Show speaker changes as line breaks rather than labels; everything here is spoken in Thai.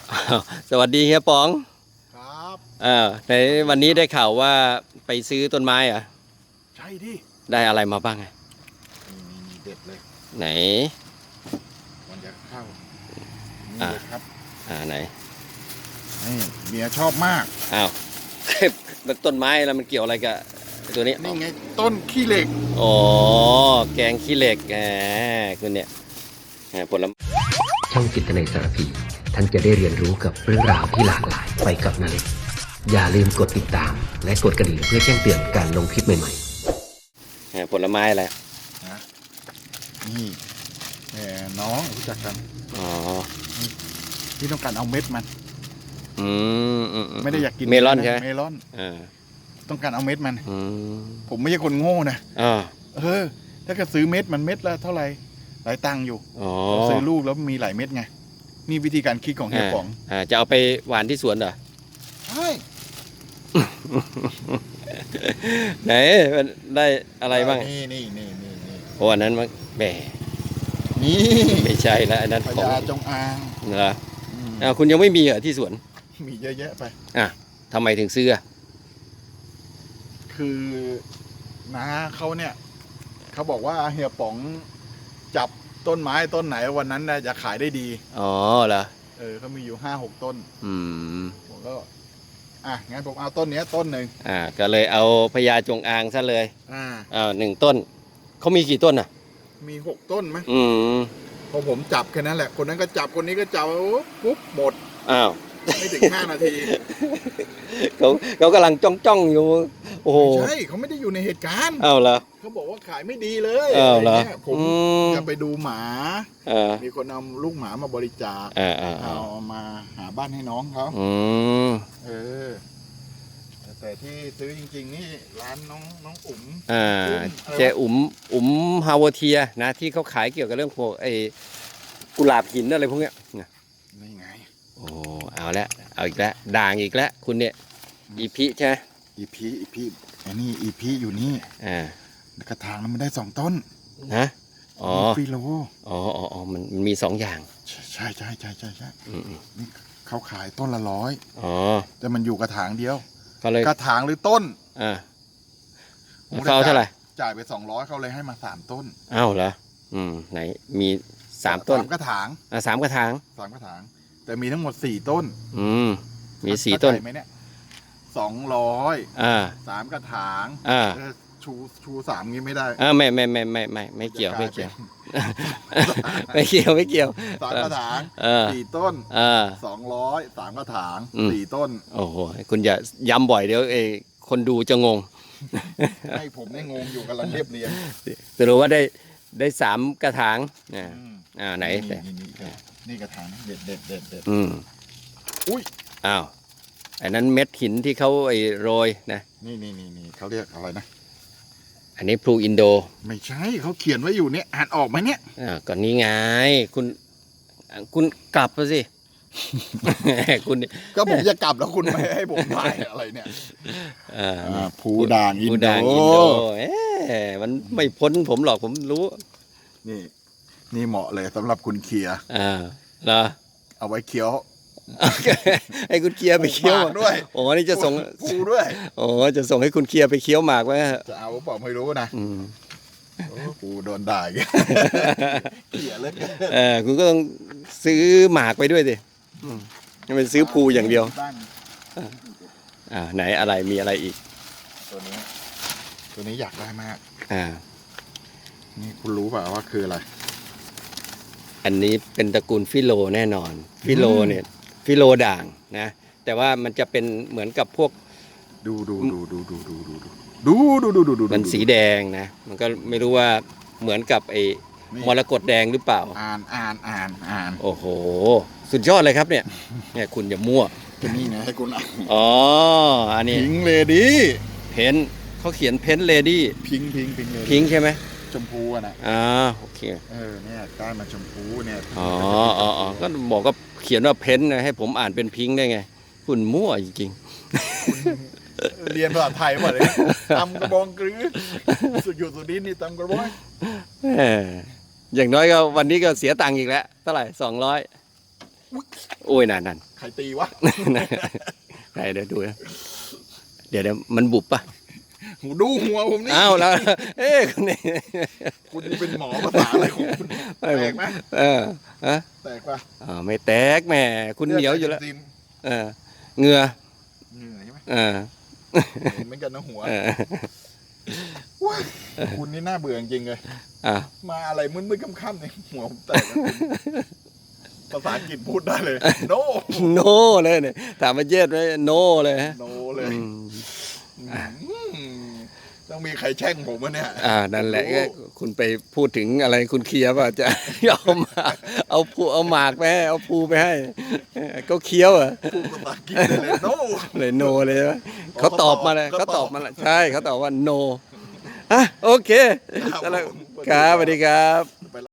สวัสดีเฮียป๋อง
ครับ
ในวันนี้ได้ข่าวว่าไปซื้อต้นไม้เหรอ
ใช่ดิ
ได้อะไรมาบ้างไง
นี่เด็ดเลย
ไหน
มันจะเข้านี่เลยครับ
ไหน
นี่เมียชอบมาก
อ้าวมันต้นไม้แล้วมันเกี่ยวอะไรกับตัวนี้
นี่ไงต้นขี้เหล็ก
อ๋อแกงขี้เหล็กคุณเนี่ยผลไม้
ช่องจิตในสารพีท่านจะได้เรียนรู้กับเรื่องราวที่หลากหลายไปกับนาเล็กอย่าลืมกดติดตามและกดกระดิ่งเพื่อแจ้งเตือนการลงคลิปใหม่
ๆผลไม้อะไร
นะนี่น้องรู้จักกัน
อ๋อ
ที่ต้องการเอาเม็ดมัน
ไม่
ได้อยากกิน
เมลอนใช่ไหม
เมลอนต้องการเอาเม็ดมันผมไม่ใช่คนโง่นะถ้าเกิดซื้อเม็ดมันเม็ดละเท่าไหร่หลายตังค์อยู่ซื้อลูกแล้วมีหลายเม็ดไงนี่วิธีการคิดของเฮียป๋อง
จะเอาไปหวานที่สวนเหรอ
ใช่
ไหนมันได้อะไรบ้าง
นี่
โอ้อันนั้นมันแหม
นี่
ไม่ใช่แล้วอันนั้น
พญาจงอาง
เหรอคุณยังไม่มีเหรอที่สวน
มีเยอะแยะไป
ทำไมถึงซื้อ
คือน้าเขาเนี่ยเขาบอกว่าเฮียป๋องจับต้นไม้ต้นไหนวันนั้นจะขายได้ดี
อ๋อเหรอ
เขามีอยู่5-6 ต้นผมก็งั้นผมเอาต้นนี้ต้นหนึ่ง
ก็เลยเอาพญาจงอางซะเลย1 ต้นเขามีกี่ต้น
มี6 ต้นมั้ยพอผมจับแค่นั้นแหละคนนั้นก็จับคนนี้ก็จับปุ๊บหมดไม่ถึง5 นาที
เขากำลังจ้องอยู่โอ้โห
ใช่เขาไม่ได้อยู่ในเหตุการณ์
เหรอ
เขาบอกว่าขายไม่ดีเลย
เหรอ
ผมจะไปดูหมามีคนเอาลูกหมามาบริจาคเอามาหาบ้านให้น้องเขาแต่ที่ซื้อจริงๆนี่ร้านน้องอุ๋ม
เจ๊อุ๋มฮาวเทียนะที่เขาขายเกี่ยวกับเรื่องพวกไอ้กุหลาบหินอะไรพวกเนี้ย
นี่ไง
โอ้เอาแล้วเอาอีกแล้วด่างอีกแล้วคุณเนี่ยอีพีใช่ไหม
อีพีอันนี้อีพีอยู่นี่กระถางมันได้2 ต้น
นะ
ฟิโล
มันมี2 อย่าง
ใช่นี่เขาขายต้นละ100แต่มันอยู่กระถางเดียวกระถางหรือต้น
เขาเท่าไหร่
จ่ายไป200เขาเลยให้มา3 ต้น
อ้าวเหรอไหนมี3 ต้น
3 กระถาง
3 กระถาง
แต่มีทั้งหมด4 ต้น
มี4 ต้น
ไหมเนี่ย200 3 กระถางชู3งี้ไม่ได้
ไม่เกี่ยวไม่เกี่ยว
3 กระถาง4 ต้น200 3 กระถาง4 ต้น
โอ้โหคุณอย่าย้ำบ่อยเดี๋ยวคนดูจะงง
ให้ผมได้งงอยู่กำลังเรียบเรียง
จะรู้ว่าได้3 กระถางไหน
นี่กระถางเด็ด
อุ้ยอ้าวอันนั้นเม็ดหินที่เขาโรยนะ
นี่เขาเรียกอะไรนะ
อันนี้พลูอินโด
ไม่ใช่เขาเขียนไว้อยู่เนี่ยอ่านออกไหมเนี่ย
ก่อนนี้ไงคุณกลับมาสิคุณ
ก็ผมจะกลับแล้วคุณไม่ให้ผมถ่ายอะไรเนี่ยพลูด่างอินโด
มันไม่พ้นผมหรอกผมรู้
นี่เหมาะเลยสำหรับคุณเคียร์
เหรอ
เอาไว้เคี้ยว
ให้คุณเคียร์ไปเคี้ยว
ด้วย
นี่จะส่ง
ปูด้วย
จะส่งให้คุณเคียร์ไปเคี้ยวหมากไว้
จะเอาบอกไม่รู้นะปูโดนด่าเคียร์เลย
คุณก็ต้องซื้อหมากไปด้วยสิไม่เป็นซื้อภูอย่างเดียวไหนอะไรมีอะไรอีก
ตัวนี้อยากได้มากนี่คุณรู้เปล่าว่าคืออะไร
อันนี้เป็นตระกูลฟิโลแน่นอนฟิโลเนี่ยฟิโลด่างนะแต่ว่ามันจะเป็นเหมือนกับพวก
ดู
มันสีแดงนะมันก็ไม่รู้ว่าเหมือนกับมรกตแดงหรือเปล่า
อ่าน
โอ้โหสุดยอดเลยครับเนี่ยคุณอย่ามั่ว
นี่นะให้คุณอ่าน
อันนี้
พิงเลดี้
เพนเขาเขียนเพนเลดี้
พิง
ใช่ไหม
ชมพูนะ
โอเค
เนี่ยได้มาชมพูเนี่ย
ก็บอกก็เขียนว่าเพนนะให้ผมอ่านเป็นพิงได้ไงคุณมั่วจริง
เรียนภาษาไทยหมดเลยตำกระบองกรือสุดดินนี่ตำกระบอง
อย่างน้อยก็วันนี้ก็เสียตังค์อีกแล้วเท่าไหร่200 โอ้ยนั่น
ใครตีวะ
ไหนเดี๋ยวดูนะเดี๋ยวมันบุบปะ
หูดูหัวผมนี่
อ้าวแล้ว เอ๊ะคนนี้
คุณนี่เป็นหมอภาษาอะไรของคุณ
ไม่
แต
ผ
ก
ม
ไหม
ฮะ
แตกปะ
ไม่แตกแหม่คุณเหนียวอยู่แล้ว
ซิม
เหงื่อ
เหนื่อยใช่ไหม
เออ
เห็นเหมือนกันนะหัว
เออ
ว้ายคุณนี่น่าเบื่อจริงๆเลย
อ่ะ
มาอะไรมืดๆค่ำๆเนี่ยหัวผมแตกอะภาษาอังกฤษพูดได้เลย no
โนเลยเนี่ยถามมาเย็ดไหมโนเลยฮะ
no เลย
อืม
ต้องมีใครแช่งผมวะเนี่ย
นั่นแหละก็คุณไปพูดถึงอะไรคุณเคลียร์ป่ะจะ เอามาเอาหมากไปให้เอาภูไปให้ก็เคี้ยวอ่ะ
พูดภาษาอังกฤษได้เลย no
เลยโนเลยใช่ไหมเขาตอบมาเลยเขาตอบมาแล้วใช่เขาตอบว่าโนโอเค
ครับ
แล้วครับสวัสดีครับ